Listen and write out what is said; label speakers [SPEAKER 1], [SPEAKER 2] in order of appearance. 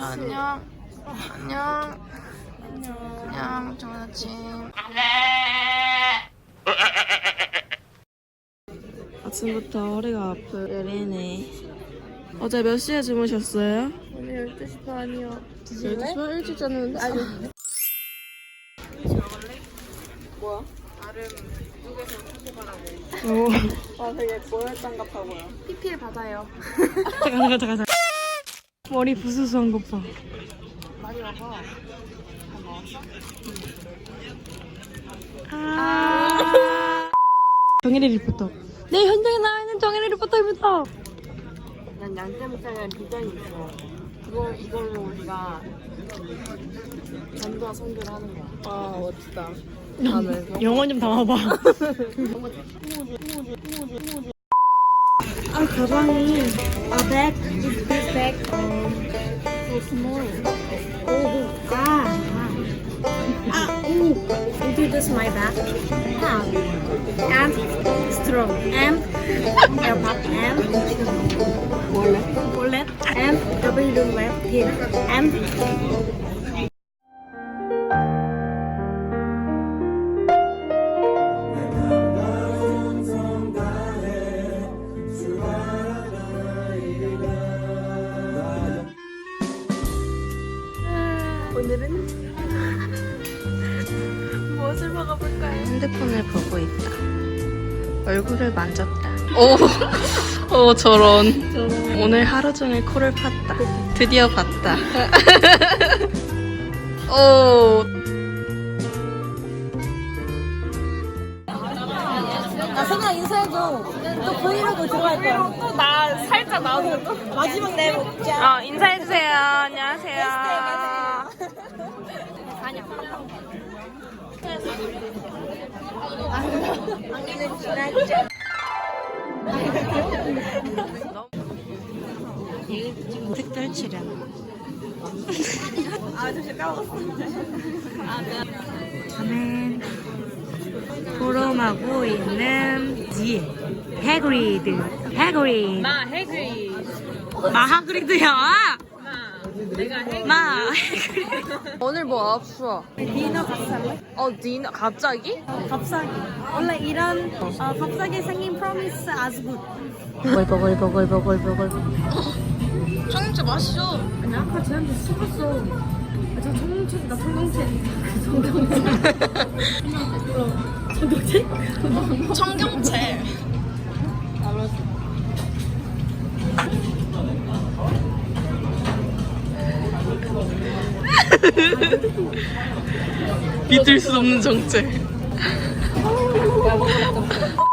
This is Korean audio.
[SPEAKER 1] 안녕. 안녕. 안녕. 좋은 아침. 아침부터 허리가 아픈 예린이. 어제 몇 시에 주무셨어요?
[SPEAKER 2] 오늘 12시 반이요.
[SPEAKER 1] 12시 반 일찍 잤는데? 아니. 뭐야? 나름 미국에서 사고가라고. 아 되게 고열장갑하고요.
[SPEAKER 2] PPL 받아요.
[SPEAKER 1] 잠깐. 머리 부스스한 것 봐.
[SPEAKER 2] 많이 먹어.
[SPEAKER 1] 정혜리 리포터. 네, 현장에 나와 있는 정혜리 리포터입니다.
[SPEAKER 2] 난 양떼목장이라는 비전이 있어. 이걸로 우리가 전도와 선교를 하는 거야.
[SPEAKER 1] 아, 멋지다.
[SPEAKER 2] 다음에
[SPEAKER 1] 영혼 좀 담아봐. 아, 가방이. 아, 백. This bag. So small. This is my bag. And strong. And airpod. And wallet. And WF pin. And 오늘은 무엇을 먹어볼까요? 핸드폰을 보고 있다. 얼굴을 만졌다. 오, 저런. 오늘 하루 종일 코를 팠다. 드디어 봤다. 오.
[SPEAKER 3] 나 생각 인사해줘. 또 브이로그 들어갈 거야.
[SPEAKER 2] 또 나 살짝 나오는 거.
[SPEAKER 3] 마지막 내 목자.
[SPEAKER 1] 인사해주세요. 안녕하세요. 특별 출연. 저는 보름하고 있는 해그리드.
[SPEAKER 2] 나 해그리.
[SPEAKER 1] 하그리드야.
[SPEAKER 2] 내가 해그리.
[SPEAKER 1] 오늘 뭐 없어?
[SPEAKER 3] 디너 갑살래?
[SPEAKER 1] 디너 갑자기?
[SPEAKER 3] 갑자기. 원래 이런 갑자기 생긴 프로미스 아주 굿.
[SPEAKER 1] 버글버글버글버글버글. 청경채 맛있어.
[SPEAKER 3] 아니 아까 쟤한테 속았어. 저 청경채.
[SPEAKER 1] 청경채. 믿을 수 없는 정체.